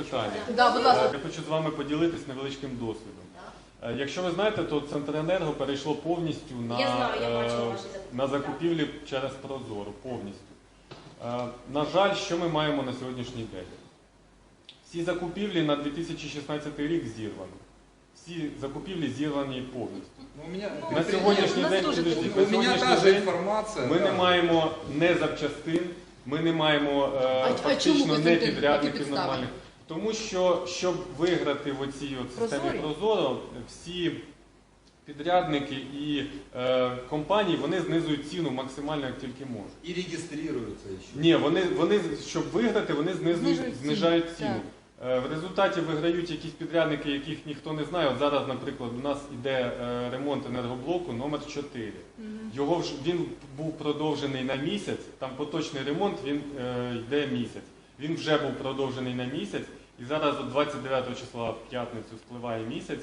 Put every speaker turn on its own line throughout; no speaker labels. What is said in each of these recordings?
питання.
Да, будь ласка.
Я хочу з вами поділитись невеличким досвідом. Якщо ви знаєте, то Центренерго перейшло повністю на закупівлі через Прозоро. Повністю. На жаль, що ми маємо на сьогоднішній день? Всі закупівлі на 2016 рік зірвані. Всі закупівлі зірвані повністю. На сьогоднішній день ми не маємо не запчастин, ми не маємо фактично не підрядників нормальних. Тому що, щоб виграти в оцій системі Прозоро, всі підрядники і компанії, вони знизують ціну максимально, як тільки можуть.
І реєструються ще.
Ні, вони, щоб виграти, вони знижають ціну. В результаті виграють якісь підрядники, яких ніхто не знає. От зараз, наприклад, у нас іде ремонт енергоблоку номер 4. Він був продовжений на місяць, там поточний ремонт, він йде місяць. Він вже був продовжений на місяць, і зараз от 29 числа в п'ятницю спливає місяць.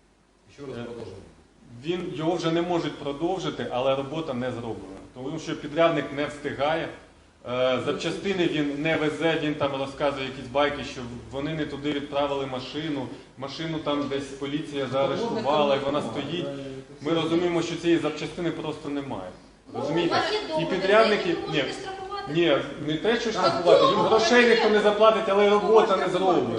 Його вже не можуть продовжити, але робота не зроблена. Тому що підрядник не встигає. Запчастини він не везе, він там розказує якісь байки, що вони не туди відправили машину там десь поліція заарештувала і вона стоїть. Ми розуміємо, що цієї запчастини просто немає. Розумієте? І підрядники... Ні, не те, що штрафувати, їм грошей ніхто не заплатить, але робота не зроблена.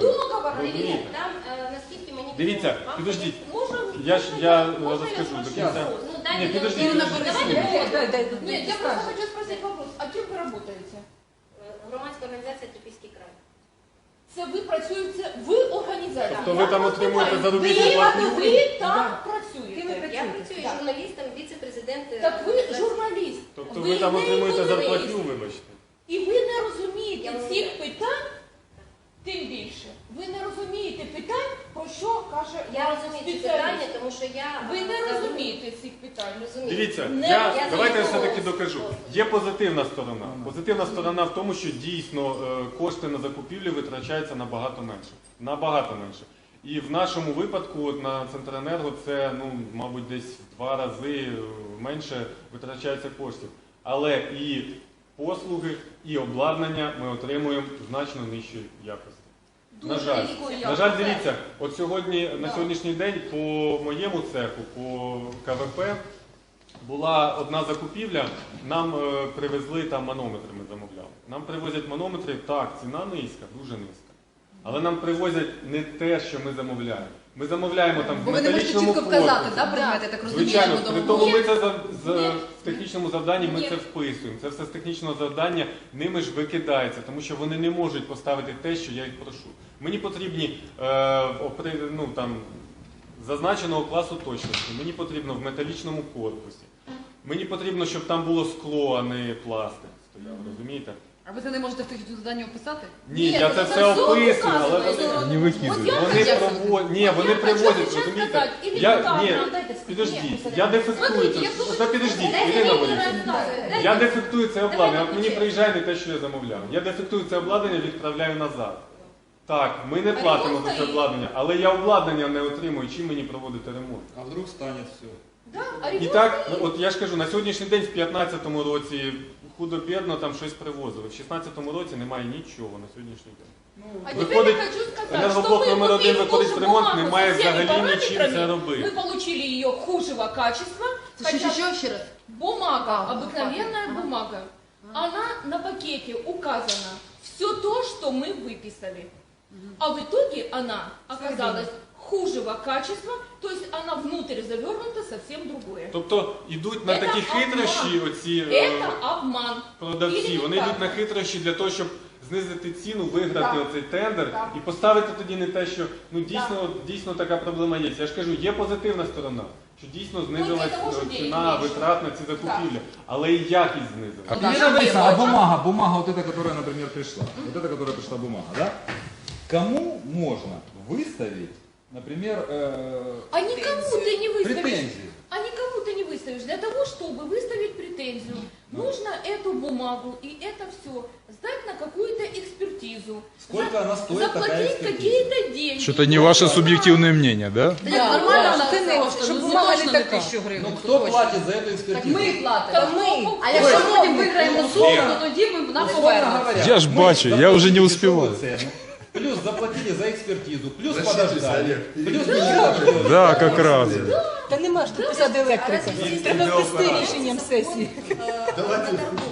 Дивіться, підождіть, я розкажу до кінця. Ні, підождіть.
Нет, я просто хочу спросить вопрос. А кем вы работаете?
Громадська організація «Трипільський край».
Це ви працюєте в організації?
Тобто ви там отримуєте заробітну платню?
Ви там працюєте?
Я працюю журналістом, віце-президент.
Так ви журналіст.
Тобто ви там отримуєте зарплатню, вибачте?
І ви не розумієте цих питань, тим більше. Ви не розумієте питань, про що каже
Я розумію ці питання, тому що я...
Ви не розумієте цих питань.
Дивіться, давайте я все-таки докажу. Є позитивна сторона. Позитивна сторона в тому, що дійсно кошти на закупівлі витрачаються набагато менше. Набагато менше. І в нашому випадку на Центренерго це, мабуть, десь в 2 рази менше витрачається коштів. Але і послуги, і обладнання ми отримуємо значно нижчої якості. На жаль, дивіться, от на сьогоднішній день по моєму цеху, по КВП, була одна закупівля, нам привезли там манометри, ми замовляли. Нам привозять манометри, так, ціна низька, дуже низька. Але нам привозять не те, що ми замовляємо. Ми замовляємо там в металічному корпусі.
Ви не можете чітко вказати, предмети, так розумію?
Звичайно, при тому ми це в технічному завданні ми це вписуємо. Це все з технічного завдання ними ж викидається, тому що вони не можуть поставити те, що я їх прошу. Мені потрібні зазначеного класу точності, мені потрібно в металічному корпусі. Мені потрібно, щоб там було скло, а не пластик стояв, розумієте?
А ви це не можете в технічному завданні описати?
Ні, я це все описую, але вони вони привозять, розумієте? Підождіть, я дефектую це. Підождіть, Ірина Борисівна. Я дефектую це обладнання, от мені приїжджає не те, що я замовляв. Я дефектую це обладнання, відправляю назад. Так, ми не платимо за це обладнання, але я обладнання не отримую, чим мені проводити ремонт.
А вдруг стане все?
І так, от я ж кажу, на сьогоднішній день в 2015 році худо-бідно там щось привозили. В 2016 році немає нічого на сьогоднішній день. Виходить, енергоблок номер 1 виходить в ремонт, немає взагалі нічим це робити.
Мы получили ее худшего качества.
Еще раз.
Бумага, обыкновенная бумага. Она на пакете указана все то, что мы выписали. А в итоге она оказалась хужего качества, то есть она внутрь завернута совсем другое.
Тобто йдуть на такі хитрощі оці продавці, вони йдуть на хитрощі для того, щоб знизити ціну, виграти оцей тендер і поставити тоді не те, що дійсно така проблема є. Я ж кажу, є позитивна сторона, що дійсно знизилась ціна, витрат на ці закупівлі, але і якість знизилась.
А бумага вот эта, которая, например, пришла, вот эта, которая пришла бумага, да? Кому можно выставить, например,
а никому ты не выставишь.
претензии?
А никому ты не выставишь. Для того, чтобы выставить претензию, нужно эту бумагу и это все сдать на какую-то экспертизу.
Сколько она стоит,
заплатить какие-то деньги.
Что-то не ваше субъективное мнение, да?
Нормально, щоб бумага не така.
Ну кто платит за эту экспертизу?
Ми платимо. А якщо потім виграємо суд, то тоді ми на повернемо.
Я ж бачу, я уже не успеваю.
Плюс плюс заплатили за экспертизу, плюс
Зачитывайся,
подождали,
Олег.
плюс ничего.
Да, как раз.
Та нема ж тут посади електрика. Треба ввести рішенням сесії.
Давайте.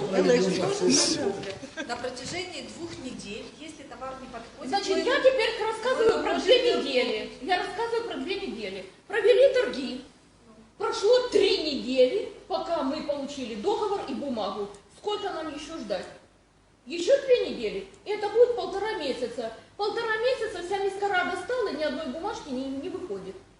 На протяжении 2 недель, если товар не подходит,
Значит,
мы-
я теперь рассказываю про 2 недели. Я рассказываю про 2 недели. Провели торги. Прошло 3 недели, пока мы получили договор и бумагу. Сколько нам еще ждать? Еще 2 недели. И это будет 1,5 месяца. 1,5 месяца вся мискара достала, ни одной бумажки не выходит.